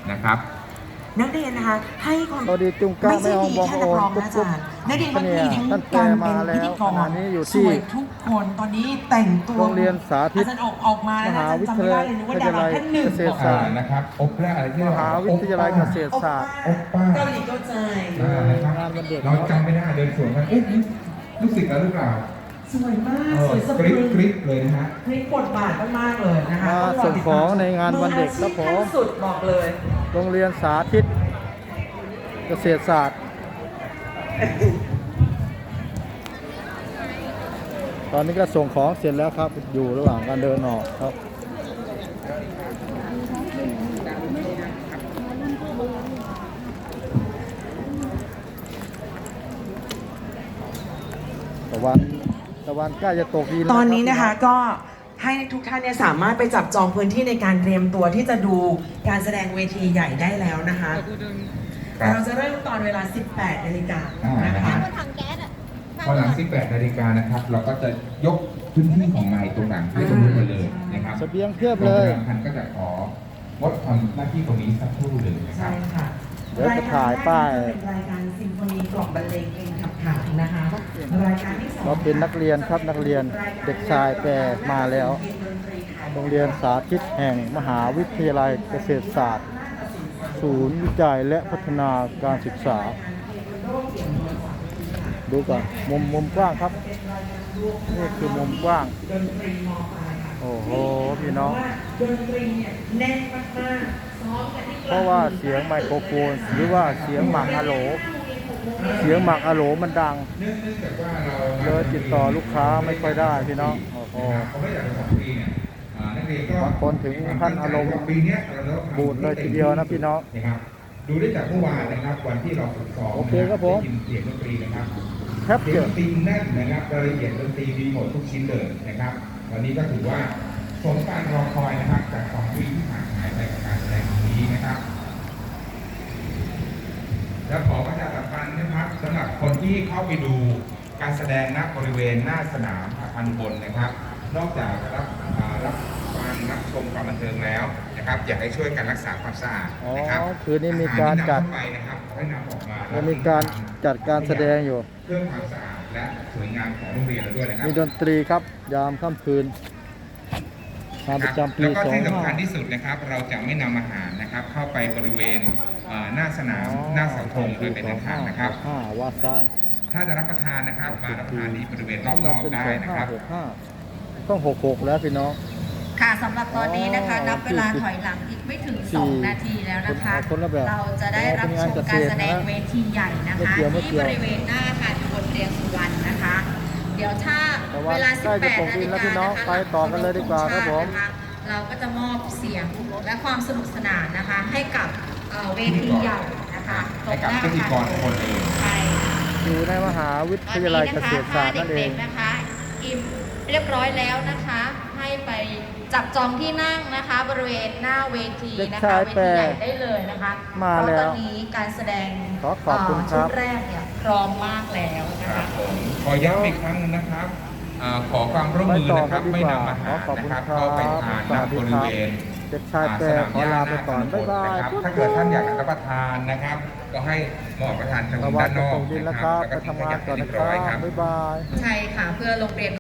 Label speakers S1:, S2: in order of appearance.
S1: นะครับ
S2: นักเรียนนะคะให้ความ
S3: สวัสดีจุงก้า
S2: ไม่ใช่
S3: ไม่
S2: ดี
S3: เอา
S2: แค่
S3: บ
S2: นั
S3: อก
S2: ร้อง
S3: โอน
S2: นะอาจารย์นักเรียนก็มีทั้ง
S3: ท่านแปล
S2: การ
S3: มา
S2: เป็น
S3: แล้ว
S2: พิธีก
S3: ข
S2: ร
S3: ณะนี้อยู่
S2: ส
S3: ที่
S2: วยทุกคนตอนนี้แต่งตัว
S3: โรงเรียนสาธิต
S2: อาจารย์ออกมาแล้ว
S3: ม
S2: นะ
S3: หา
S2: อาจาร
S3: วิ
S2: ย์จำ
S3: ท
S2: ไม่
S3: ยา
S2: ได้
S3: ลัย
S2: เลยนึกว่าดาราท่านหนึ่ง
S3: เกษตรศาสตร์
S1: นะครับโอเปร่าอะไรที่
S3: ม
S1: เรา
S3: หาวิทยาลัยเกษตรศาสตร์
S1: โอป้า
S2: เกาหลีเข้าใจ
S1: นะครับ
S3: งานวันเด็ก
S1: เราจำไม่ได้เดินสวนกันเอ๊ะนี่ลูกศิษย์เราหรือเปล่า
S2: สวยมากสวยสะ
S1: ก
S2: พ
S1: ริ๊
S2: รึ
S1: บ
S2: ง
S1: กริ๊บเลยนะฮะ
S2: พลิกบทบาทมากๆเลยนะคะ
S3: มาส่งของในงานวันเด็กครับผม
S2: ออาชีพขั้นสุดบอกเลย
S3: โรงเรียนสาธิตเกษตรศาสตร์ ตอนนี้ก็ส่งของเสร็จแล้วครับ อยู่ระหว่างการเดินออกครับตะวันใกล้จะตกดินแล้ว
S2: ตอนนี้นะคะ
S3: รับ
S2: ก็ให้ทุกท่านเนี่ยสามารถไปจับจองพื้นที่ในการเตรียมตัวที่จะดูการแสดงเวทีใหญ่ได้แล้วนะคะ
S1: ครับ
S2: เราจะเริ่มตอนเวลา 18 นาฬิกา
S1: นะ
S2: นะคะ
S1: ฮะ
S4: ถังแก๊สอ่ะ
S1: พอหลัง 18 นาฬิกานะครับ เราก็จะยกพื้นที่ของไม้ตรงหลังให้ตรงนี้หมดเลยนะครับ
S3: เสบียงเพียบเลย
S1: โรงพยาบาลพันธุ์ก็จะของดทำหน้าที่ตรงนี้สักครู่หนึ่งนะครั
S2: ใช่
S1: บ
S2: ค่ะ
S3: เดี๋ยวจะถ่ายป้าย
S2: รเป็นรายการซิมโฟนีกล่อมบรรเลงเพลงขับขานนะคะรายการที่สอง
S3: เราเป็นนักเรียนครับนักเรียนเด็กชายแปรมาแล้ว โรงเรียนสาธิตแห่งมหาวิทยาลัยเกษตรศาสตร์ ศูนย์วิจัยและพัฒนาการศึกษา ดูก่อนมุมกว้างครับนี่คือมุมกว้าง
S2: ดนตรีมปลายค่ะ
S3: โอ้โหพี่น้อง
S2: ดนตรีเนี่ยแน่นมากๆซ้อมกันที่
S3: เพราะว่าเสียงไมโครโฟนหรือว่าเสียงหมักอะโหล เสียงหมักอะโหลมันดัง
S1: เนื่องจากว่าเรา
S3: เลยติดต่อลูกค้าไม่ค่อยได้พี่น้องโอ้โห
S1: เขาไม่อยากจะสอนฟรีเนี่ยนักเรียนก็
S3: บางคนถึงขั้นอารมณ์
S1: ปีเนี้ยเราต้องทำ
S3: บูดเลยทีเดียวนะพี่น้อง
S1: นะครับดูได้จากเมื่อวานนะครับวันที่เราฝึกซ้อม
S3: โอเคครับผม
S1: ได้ยินเสียงดนตรีนะครับ
S3: แคป
S1: เสี
S3: เจ
S1: ย
S3: อง ร์
S1: ดนตรีแน่นนะครับรายละเอียดดนตรีดีหมดทุกชิ้นเลยนะครับวันนี้ก็ถือว่าสมการรอคอยนะครับจาก2 ปีที่ผ่านหายไปกับการแสดงนี้นะครับ และขอประชาสัมพันธ์นะครับสำหรับคนที่เข้าไปดูการแสดงณบริเวณหน้าสนามอาคารบนนะครับ นอกจากรับฟังรับชมความบันเทิงแล้วนะครับ อยากให้ช่วยกันรักษาความสะอาดนะครับ
S3: อ๋อคืนนี้มีการจัด
S1: อหที่นำเข้าไปนะครับขอให้นำออกมา
S3: จะมีการจัดการแสดงอยู่
S1: เพื่อความสะอาดและสวยงามของโรงเรียนเราด้วยนะครับ
S3: มีดนตรีครับยามค่ำคืนงานประจำปี
S1: แล้วก็ที่สำคัญที่สุดนะครับ เราจะไม่นำอาหารนะครับ เข้าไปบริเวณหน้าสนามหน้าเสาธงโดยเป็นอันขาดนะครับ
S3: วาซ่า
S1: ถ้าจะรับประทานนะครับมารับประทานที่บริเวณรอบนอก
S3: เป็น
S1: ได้นะครับ
S3: 2565ต้อง66แล้วพี่น้อง
S4: ค่ะสำหรับตอนนี้นะคะ
S3: อ๋อ
S4: นับเวลาถอยหลังอีกไม่ถึง
S3: สี่
S4: 2 นาทีแล้วนะคะ
S3: คนละแบบ
S4: เราจะได้รับชมการแสดงเวทีใหญ่นะคะ
S3: ไม่เกี่ยว
S4: ที่บริเวณหน้าอาคารบนเรียงสุวรรณนะคะ เดี๋ยวถ้า
S3: แต่ว่า
S4: เวลา
S3: ใกล้จะ
S4: 18
S3: ตก
S4: นา
S3: ดิ
S4: ฬิ
S3: นแล้ว
S4: กา
S3: พี่น้อง
S4: นะคะ
S3: ไปต่อกันเลยดีกว่าครับผม
S4: นะคะเราก็จะมอบเสียงและความสนุกสนานนะคะ ให้กับเวทีใหญ่นะคะตร
S1: ให้
S4: ง
S1: กับ
S4: หน้า
S1: พิธีกรทุกคนเลย
S4: ใช่
S3: อยู่ในมหาวิทยาลัยเกษตรศาสตร์นั่นเอง
S4: ด็กๆนะคะอิ่มเรียบร้อยแล้วนะคะ ให้ไปจับจองที่นั่งนะคะ บริเวณหน้าเวที
S3: เด็ก
S4: นะ
S3: ชา
S4: คะ
S3: ย
S4: เว
S3: แปร
S4: ทีใหญ่ได้เลยนะคะ
S3: มา
S4: เพ
S3: แล้ว
S4: ราะตอนนี้การแสดง
S3: ขอบคุณครับ
S4: ชุดแรกเนี่ยพร้อมมากแล้วนะ
S1: ครั
S4: คะ
S1: บผมขอย้ำอีกครั้งหนึงนะครับขอความร่วมมือนะครับไม่นำอาหารนะครับเข้าไปทานณบริเวณ
S3: เด็กชายแปร
S1: สนาม
S3: ขอ
S1: หญ้า
S3: ลา
S1: ห
S3: ไป
S1: น้า
S3: ก่อน
S1: ตำบ
S3: บ๊าย
S1: ล
S3: บาย
S1: นะครับถ้าเกิดท่านอยากรับประทานนะครับ ก็ให้มาออกประทานทาง
S3: ระวั
S1: ด้าง นน
S3: จะ
S1: อก
S3: ตกดิน
S1: นะ
S3: แล้ว
S1: ค
S3: ค
S1: รั
S3: รั
S1: บบ แล้ว
S3: ไป
S1: ก็ทิ้ง
S3: ทำ
S1: ข
S3: งาน
S1: ยะ
S3: ก่อน
S1: ให้
S3: นะ
S1: เรียบ
S3: ครั
S1: ร้อยครับ
S3: บบ๊ายบาย
S4: ใช่ค่ะเพื่อโรงเรียน